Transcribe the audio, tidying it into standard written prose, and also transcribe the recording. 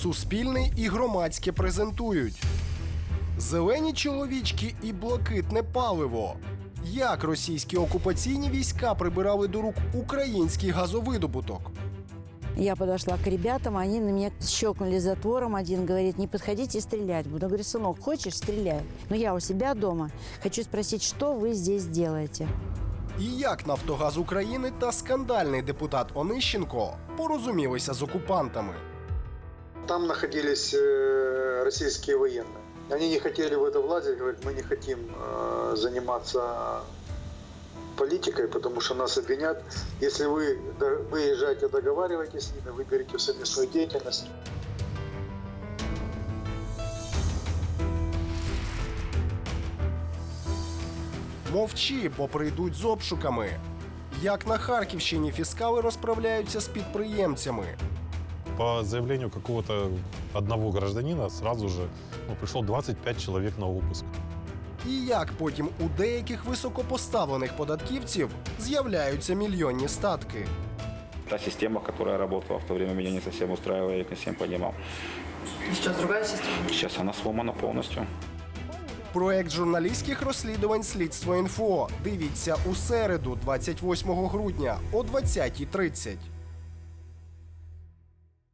Суспільний і Громадське презентують. Зелені чоловічки і блакитне паливо. Як російські окупаційні війська прибирали до рук український газовидобуток? Я подошла к ребятам, они на меня щелкнули затвором. Один говорит, не подходите, стрелять буду. Я говорю, сынок, хочешь, стреляй. Но я у себя дома. Хочу спросить, что вы здесь делаете? І як «Нафтогаз України» та скандальний депутат Онищенко порозумілися з окупантами? Там находились российские военные. Они не хотели в это влазить, говорят, мы не хотим заниматься политикой, потому что нас обвинят. Если вы выезжаете, договариваетесь с ними, выберите совместную деятельность. Мовчи, бо прийдуть з обшуками. Як на Харківщині фіскали розправляються з підприємцями. По заявлению какого-то одного гражданина сразу же пришло 25 человек на обыск. І як потім у деяких високопоставлених податківців з'являються мільйонні статки. Та система, которая работала в то время, меня не совсем устраивала, я не совсем понимал. Сейчас другая система? Сейчас она сломана полностью. Проект журналістських розслідувань «Слідство.Інфо». Дивіться у середу, 28 грудня о 20:30.